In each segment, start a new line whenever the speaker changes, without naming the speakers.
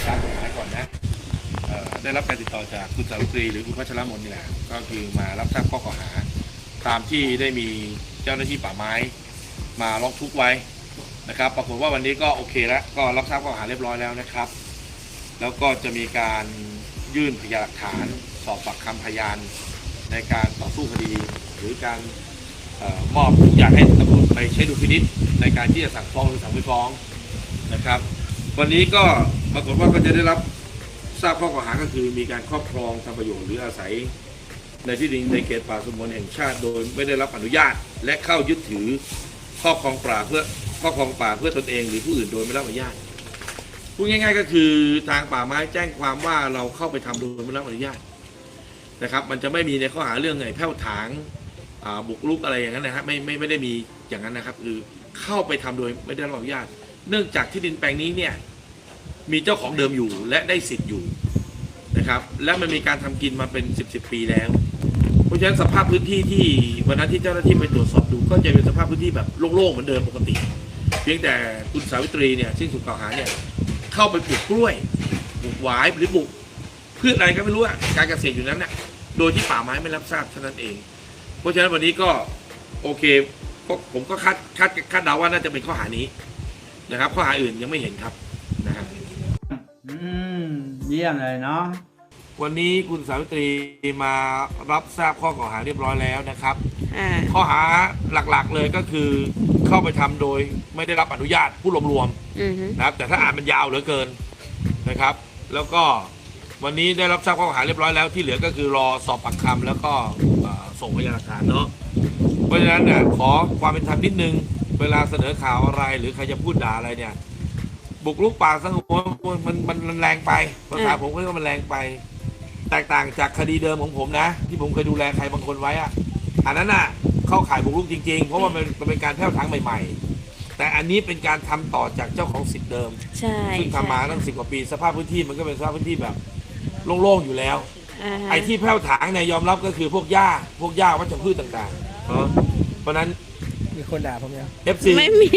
ตามกฎหมายก่อนนะได้รับการติดต่อจากคุณสาวิตรีหรือคุณพัชรมนนี่แหละก็คือมารับทราบข้อกล่าวหาตามที่ได้มีเจ้าหน้าที่ป่าไม้มาร้องทุกข์ไว้นะครับปรากฏว่าวันนี้ก็โอเคแล้วก็รับทราบข้อกล่าวหาเรียบร้อยแล้วนะครับแล้วก็จะมีการยื่นพยานหลักฐานสอบปากคำพยานในการต่อสู้คดีหรือการมอบทุกอย่างให้ตำรวจไปใช้ดุลพินิจในการที่จะสั่งฟ้องหรือสั่งไม่ฟ้องนะครับวันนี้ก็ปรากฏว่าก็จะได้รับทราบข้อกล่าวหาก็คือมีการครอบครองทำประโยชน์หรืออาศัยในที่ดินในเขตป่าสงวนแห่งชาติโดยไม่ได้รับอนุญาตและเข้ายึดถือครอบครองป่าเพื่อตนเองหรือผู้อื่นโดยไม่ได้รับอนุญาตพูดง่ายๆก็คือทางป่าไม้แจ้งความว่าเราเข้าไปทำโดยไม่ได้รับอนุญาตนะครับมันจะไม่มีในข้อหาเรื่องไงแผ่วถางบุกรุกอะไรอย่างนั้นนะฮะไม่ได้มีอย่างนั้นนะครับคือเข้าไปทำโดยไม่ได้รับอนุญาตเนื่องจากที่ดินแปลงนี้เนี่ยมีเจ้าของเดิมอยู่และได้สิทธิ์อยู่นะครับและมันมีการทำกินมาเป็น10 ปีแล้วเพราะฉะนั้นสภาพพื้นที่ที่วันนั้นที่เจ้าหน้าที่ไปตรวจสอบดูก็จะเป็นสภาพพื้นที่แบบโล่งๆเหมือนเดิมปกติเพียงแต่คุณสาวิตรีเนี่ยซึ่งถูกกล่าวหาเนี่ยเข้าไปปลูกกล้วยปลูกหวายหรือปลูกพืชอะไรก็ไม่รู้การเกษตรอยู่นั้นน่ะโดยที่ป่าไม้ไม่รับทราบเท่านั้นเองเพราะฉะนั้นวันนี้ก็โอเคผมก็คาดเดาว่าน่าจะเป็นข้อหานี้นะครับข้อหาอื่นยังไม่เห็นครับนะฮะ
เยี่ยมเลยเนาะ
วันนี้คุณสาวิตรีมารับทราบข้อกล่าวหาเรียบร้อยแล้วนะครับข้อหาหลักๆเลยก็คือเข้าไปทำโดยไม่ได้รับอนุญาตผู้รวมๆนะครับแต่ถ้าอ่านมันยาวเหลือเกินนะครับแล้วก็วันนี้ได้รับทราบข้อกล่าวหาเรียบร้อยแล้วที่เหลือก็คือรอสอบปากคำแล้วก็ส่งพยานหลักฐานเนาะเพราะฉะนั้นเนี่ยขอความเป็นธรรมนิดนึงเวลาเสนอข่าวอะไรหรือใครจะพูดด่าอะไรเนี่ยบุกรุกป่าสงวนมันแรงไปภาษาผมก็เรียกว่ามันแรงไปแตกต่างจากคดีเดิมของผมนะที่ผมเคยดูแลใครบางคนไว้อะอันนั้นน่ะเข้าข่ายบุกรุกจริงๆเพราะว่ามันเป็นการแผ่วถางใหม่ๆแต่อันนี้เป็นการทำต่อจากเจ้าของสิทธิ์เดิมซึ่งทำมาตั้ง10 กว่าปีสภาพพื้นที่มันก็เป็นสภาพพื้นที่แบบโล่งๆอยู่แล้วไอ้ที่แผ่วถางเนี่ยยอมรับก็คือพวกหญ้าวัชพืชต่างๆเพราะนั้น
มีคนด่าผมยัง
FC
ไม่มี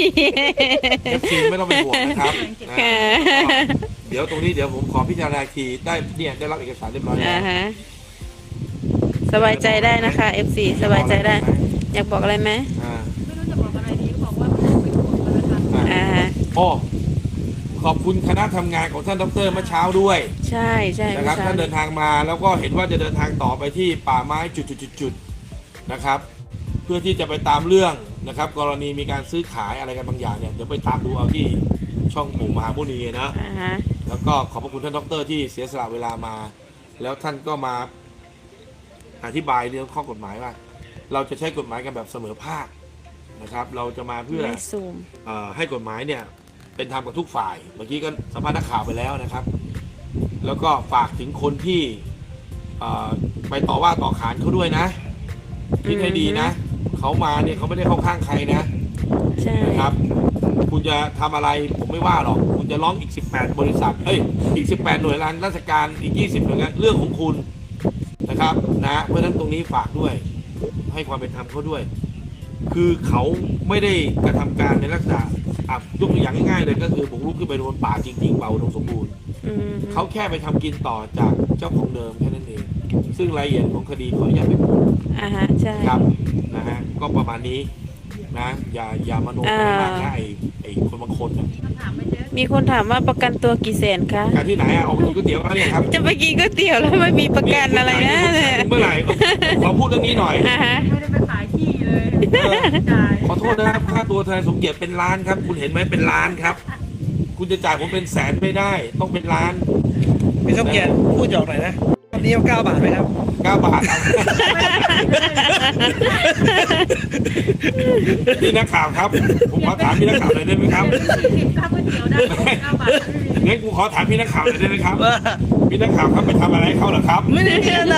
FC ไม่ต้องเป็นห่วงนะครับเดี๋ยวตรงนี้เดี๋ยวผมขอพิจารณาทีได้รับเอกสารเรียบร้อยแล้ว
สบายใจได้นะคะ FC สบายใจได้อยากบอกอะไรไหม
ไม่รู้จะบอกอะไรดีบอกว่าไม่ต้องเป็นห่วงกันนะคะ
ขอบคุณคณะทำงานของท่านดร.เมื่อเช้าด้วย
ใช่
นะครับท่านเดินทางมาแล้วก็เห็นว่าจะเดินทางต่อไปที่ป่าไม้จุดนะครับเพื่อที่จะไปตามเรื่องนะครับกรณีมีการซื้อขายอะไรกันบางอย่างเนี่ยเดี๋ยวไปตามดูเอาที่ช่องหมู่มหามุนีนะแล้วก็ขอบพระคุณท่านดร.ที่เสียสละเวลามาแล้วท่านก็มาอธิบายเรื่องข้อกฎหมายว่าเราจะใช้กฎหมายกันแบบเสมอภาคนะครับเราจะมาเพื่อให้กฎหมายเนี่ยเป็นธรรมกับทุกฝ่ายเมื่อกี้ก็สัมภาษณ์นักข่าวไปแล้วนะครับแล้วก็ฝากถึงคนที่ไปต่อว่าต่อขานเขาด้วยนะคิดให้ดีนะเขามาเนี่ยเขาไม่ได้เข้าข้างใครนะนะครับคุณจะทำอะไรผมไม่ว่าหรอกคุณจะร้องอีก18 บริษัทอีก18 หน่วยงานราชการอีก20 หน่วยงานเรื่องของคุณนะครับนะเพราะฉะนั้นตรงนี้ฝากด้วยให้ความเป็นธรรมเขาด้วยคือเขาไม่ได้กระทำการในลักษณะยกตัวอย่างง่ายๆเลยก็คือบุกรุกขึ้นไปโดนป่าจริงๆเป่าอุดมสมบูรณ์เขาแค่ไปทำกินต่อจากเจ้าของเดิมแค่นั้นเองซึ่งรายละเอียดของคดีขออนุญาตไม่พูด
ใช่
ครับนะฮะก็ประมาณนี้นะอย่ามโนไปมากนะไอ้คนบางคน
มีคนถามว่าประกันตัวกี่แสนคะ
การที่ไหนออกไปกินก๋วยเตี๋ยวเนี่ยครับ
จะไปกินก๋วยเตี๋ยวแล้วไม่มีประกันอะไรนะ
เมื่อไหร่ขอพูดเรื่องนี้หน่อย
ไม่ได้ไปขายที่เลย
ขอโทษนะครับค่าตัวทนายสมเกียรติเป็นล้านครับคุณเห็นไหมเป็นล้านครับคุณจะจ่ายผมเป็นแสนไม่ได้ต้องเป็นล้าน
พี่สมเกียรติพูดหยอกหน่อยนะวันนี้9 บาทไหมครับ
9 บาทพี่นักข่าวครับผมขอถามพี่นักข่าวหน่อยได้ไหมครับ
ข้าวก๋วยเตี๋ยวได้9 บาท
งั้นกูขอถามพี่นักข่าวหน่อยได้ไหมครับพี่นักข่าวครับไปทำอะไรเขาเหรอครับ
ไม่ได้อะไร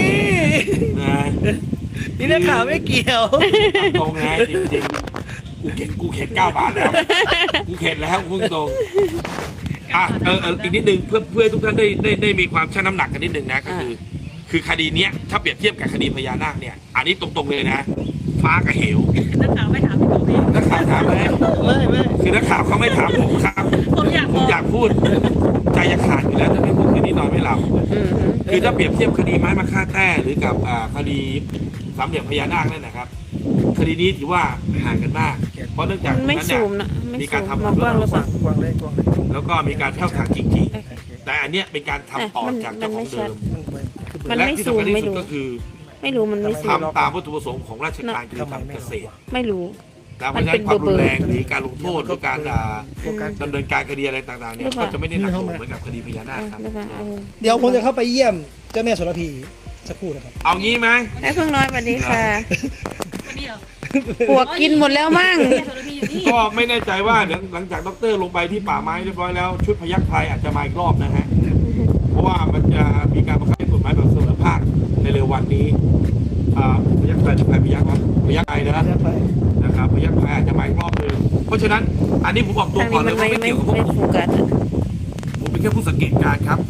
นี่นักข่าวไม่เกี่ยว
ตรงไงจริงๆกูเข็ด9 บาทแล้วกูเข็ดแล้วพุ่งตรงอีกนิดนึงเพื่อทุกท่านได้มีความชั่งน้ำหนักกันนิดนึงนะก็คือคดีเนี้ยถ้าเปรียบเทียบกับคดีพญานาคเนี่ยอันนี้ตรงๆเลยนะฟ้ากับเหว
นักข่าวไม่ถามพี่
นักข่าวถามไหม
ไม่
คือนักข่าวเขาไม่ถามผมครับ
ผมอยาก
ผมอยากพูดใจจะขาดอยู่แล้วถ้าไม่พูดคืนนี้นอนไม่หลับ
อืม
คือถ้าเปรียบเทียบคดีไม้มาฆ่าแต้หรือกับคดีสามเหลี่ยมพญานาคนั่นนะครับ คดีนี้ถือว่าห่างกันมาก เพราะเนื่องจาก
มันไม่
นั้นเนี่
ซู
ย
มนะไม่
มี
ซู
การ
ม
ทำ
มองกว้างหรือเปล่าก
ว้างเลยกว้างเลย
แล้วก็มีการแพ่วถางจริงๆ แต่อันเนี้ยเป็นการทำต่อจากเจ้าของเดิม
มัน
และ
ไม่
ที่
ซูม
สำคัญที่
ไม่
สุด
รู้
ก็คือ
ไม่รู้มันไม่ซูม
ทำตามวัตถุประสงค์ของราชการคือทำเกษตร
ไม่รู้
แต่เพราะฉะนั้นความรุนแรงหรือการลงโทษหรือการ
โฟกัส
ดำเนินการคดีอะไรต่างๆเนี่ยก็จะไม่ได้หนักหน่วงเหมือนกับคดีพญานาคครับ
หรือเปล่าเอา
เดี๋ยวผมจะเข้าไปเยี่ยมเจ้าแม่โสระพีสักครู่นะครับ
เอางี้ไหม
ไอ้เพิ่งน้อยสวัสดีค่ะ
วันนี้เหรอ
ปวกกินหมดแล้วมั่ง
เนี่ยโซลาพีอยู่นี่
ก็ไม่แน่ใจว่าเดี๋ยวหลังจากดรลงไปที่ป่าไม้เรียบร้อยแล้วชุดพยัคฆ์ไทยอาจจะมาอีกรอบนะฮะ เพราะว่ามันจะมีการบังคับใช้กฎหมายแบบเสมอภาคในเร็ววันนี้พยัคฆ์ไทยหรือพยัคฆ์วะพยัคฆ์ไทยนะนะครับพยัคฆ์ไทยอาจจะมาอีกรอบนึงเพราะฉะนั้นอันนี้ผมบอกตัว
ทาง
ก่อ
นี้
นเล
มัน
ยว่า
ไม่
ไม่
ไม่
เกี่ยวกับพวก
ไม่
ผม
โฟกัสอะ
ผมเป็นแค่ผู้สังเกตการณ์ครับ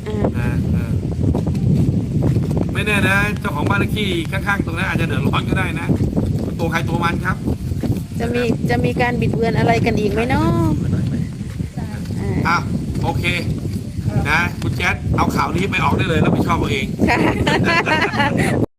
ไม่แน่นะเจ้าของบ้านเลขที่ข้างๆตรงนั้นอาจจะเดือดร้อนก็ได้นะตัวใครตัวมันครับ
จะมีการบิดเบือนอะไรกันอีกไหมเนาะอ่า
อ่ะโอเคนะคุณแจ๊ดเอาข่าวนี้ไปออกได้เลยแล้วไปชอบเอาเอง
ค่ะ